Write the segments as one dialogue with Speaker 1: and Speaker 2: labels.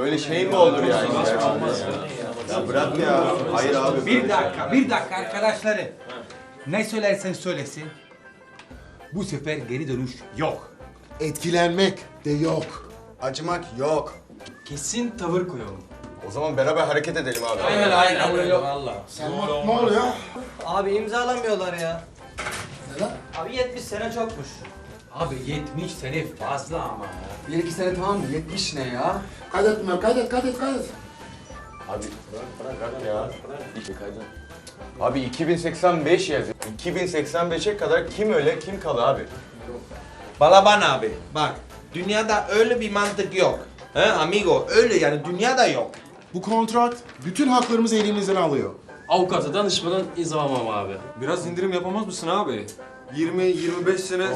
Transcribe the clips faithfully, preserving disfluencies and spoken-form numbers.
Speaker 1: öyle şey mi olur yani? Ya bırak ya. Hayır abi.
Speaker 2: Bir dakika, bir dakika arkadaşları. Ne söylersen söylesin. Bu sefer geri dönüş yok.
Speaker 3: Etkilenmek de yok.
Speaker 1: Acımak yok.
Speaker 4: Kesin tavır koyalım.
Speaker 1: O zaman beraber hareket edelim abi.
Speaker 4: Aynen aynen öyle valla.
Speaker 3: Selman ne oluyor?
Speaker 5: Abi imzalamıyorlar ya.
Speaker 3: Neden?
Speaker 5: Abi yetmiş sene çokmuş.
Speaker 2: Abi yetmiş sene fazla ama.
Speaker 4: Bir iki sene tamam mı? yetmiş ne ya?
Speaker 3: Kaydet Ömer, kaydet, kaydet, kaydet.
Speaker 1: Abi bırak bırak bırak ya. Abi iki bin seksen beş yazıyor. iki bin seksen beşe kadar kim öle kim kalı abi?
Speaker 6: Balaban abi bak dünyada öyle bir mantık yok. He amigo öyle yani dünyada yok.
Speaker 3: Bu kontrat bütün haklarımızı elimizden alıyor.
Speaker 7: Avukata danışmadan imzalamam abi.
Speaker 4: Biraz indirim yapamaz mısın abi? yirmi yirmi beş sene...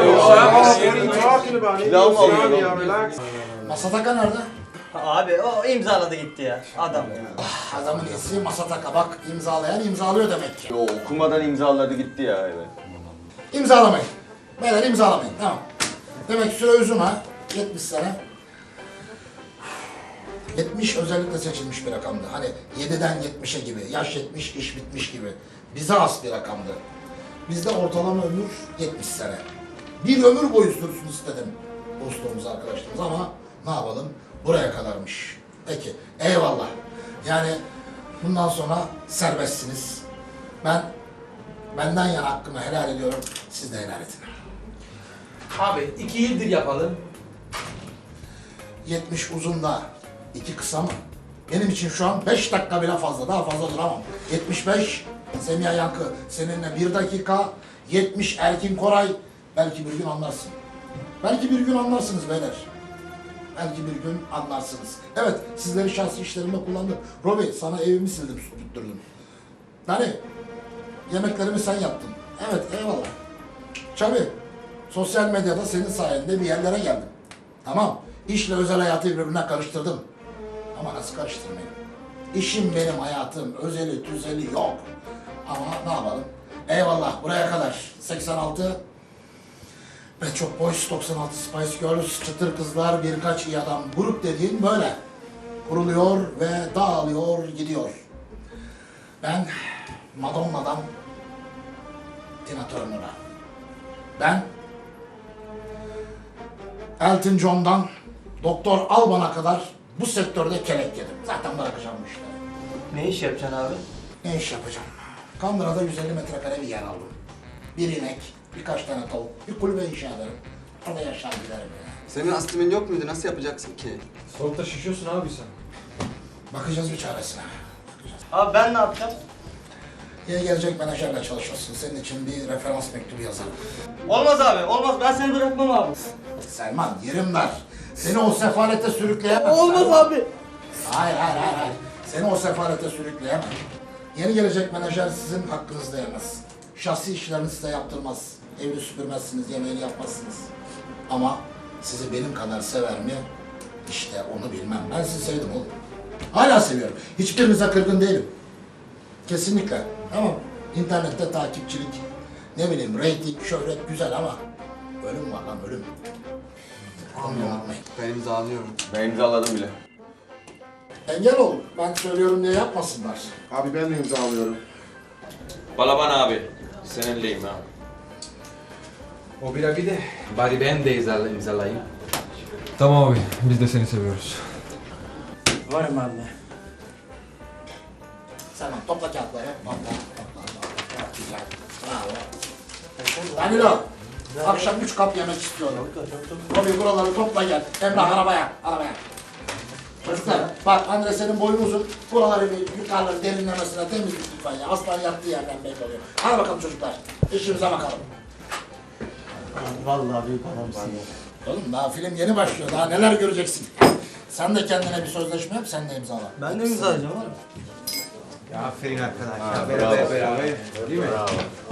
Speaker 1: Pilav mı alıyor?
Speaker 3: Masataka nerede?
Speaker 5: Abi o imzaladı gitti ya adam.
Speaker 3: Adamın iyisi Masataka, bak imzalayan imzalıyor demek ki.
Speaker 1: Yo, okumadan imzaladı gitti ya evet.
Speaker 3: İmzalamayın. Beyler imzalamayın, tamam. Demek ki süre uzun ha, yetmiş sene. yetmiş özellikle seçilmiş bir rakamdı. Hani yediden yetmişe gibi, yaş yetmiş, iş bitmiş gibi. Bize has bir rakamdı. Bizde ortalama ömür yetmiş sene. Bir ömür boyu sürsün istedim dostluğumuz, arkadaşlarımız ama ne yapalım? Buraya kadarmış. Peki, eyvallah. Yani bundan sonra serbestsiniz. Ben benden yana hakkımı helal ediyorum, siz de helal edin.
Speaker 2: Abi iki yıldır yapalım.
Speaker 3: yetmiş uzun da iki kısa mı? Benim için şu an beş dakika bile fazla, daha fazla duramam. yetmiş beş, Semiha Yankı seninle bir dakika, yetmiş Erkin Koray, belki bir gün anlarsın. Belki bir gün anlarsınız beyler. Belki bir gün anlarsınız. Evet, sizleri şahsi işlerimde kullandım. Robi, sana evimi sildim, su tutturdum. Dani, yemeklerimi sen yaptın. Evet, eyvallah. Çabi, sosyal medyada senin sayende bir yerlere geldim. Tamam, işle özel hayatı birbirine karıştırdım. Ama nasıl karıştırmayayım? İşim benim hayatım, özeli tüzeli yok. Ama ne yapalım? Eyvallah, buraya kadar. seksen altı ve çok boş doksan altı Spice Girls, çıtır kızlar, birkaç iyi adam. Grup dediğin böyle. Kuruluyor ve dağılıyor, gidiyor. Ben Madonna'dan Tina Turner'a. Ben Elton John'dan Doktor Alban'a kadar bu sektörde kelek yedim. Zaten bırakacağım bu işleri.
Speaker 5: Ne iş yapacaksın abi?
Speaker 3: Ne iş yapacağım? Kandıra'da yüz elli metrekare bir yer aldım. Bir inek, birkaç tane tavuk, bir kulübe inşa ederim. Orada yaşar giderim yani.
Speaker 4: Senin astimin yok muydu? Nasıl yapacaksın ki?
Speaker 7: Soğukta şişiyorsun abi sen.
Speaker 3: Bakacağız bir çaresine. Bakacağız.
Speaker 5: Abi ben ne yapacağım?
Speaker 3: Yeni gelecek menajerle çalışıyorsun. Senin için bir referans mektubu yazarım.
Speaker 5: Olmaz abi, olmaz. Ben seni bırakmam abi.
Speaker 3: Selman, yerim dar. Seni o sefalete sürükleyemem.
Speaker 5: Olmaz
Speaker 3: Selman.
Speaker 5: abi.
Speaker 3: Hayır, hayır, hayır, hayır. Seni o sefalete sürükleyemem. Yeni gelecek menajer sizin hakkınızda yemez. Şahsi işlerini size yaptırmaz. Evini süpürmezsiniz, yemeğini yapmazsınız. Ama sizi benim kadar sever mi? İşte onu bilmem. Ben sizi sevdim oğlum. Hala seviyorum. Hiçbirinize kırgın değilim. Kesinlikle. Ama internette takipçilik, ne bileyim reyting, şöhret güzel ama ölüm var lan, ölüm. Onu unutmayın.
Speaker 4: Ben imzalıyorum.
Speaker 1: Ben imzaladım bile.
Speaker 3: Engel ol. Ben söylüyorum diye yapmasınlar.
Speaker 8: Abi ben de imzalıyorum.
Speaker 6: Balaban abi seninleyim ha.
Speaker 2: O bir abi de bari ben de imzala- imzalayayım.
Speaker 7: Tamam abi, biz de seni seviyoruz.
Speaker 5: Varım anne.
Speaker 3: Selman topla kağıtları. Topla, topla, topla. Güzel. Bravo. Danilo, akşam üç kap yemek istiyorum. Robi buraları topla gel. Emrah arabaya, arabaya. Çocuklar, bak Andre senin boyun uzun. Buraları bir yukarıları derinlemesine temizlik lütfen ya. Aslan yattığı yerden belli oluyor. Hadi bakalım çocuklar, işimize bakalım.
Speaker 5: Vallahi büyük adamsın.
Speaker 3: Oğlum daha film yeni başlıyor, daha neler göreceksin. Sen de kendine bir sözleşme yap, sen de imzala.
Speaker 5: Ben de imzalayacağım abi.
Speaker 2: Ya aferin arkadaş.
Speaker 1: Ha,
Speaker 2: ya
Speaker 1: bravo.
Speaker 2: beraber beraber. Değil mi?
Speaker 1: Bravo.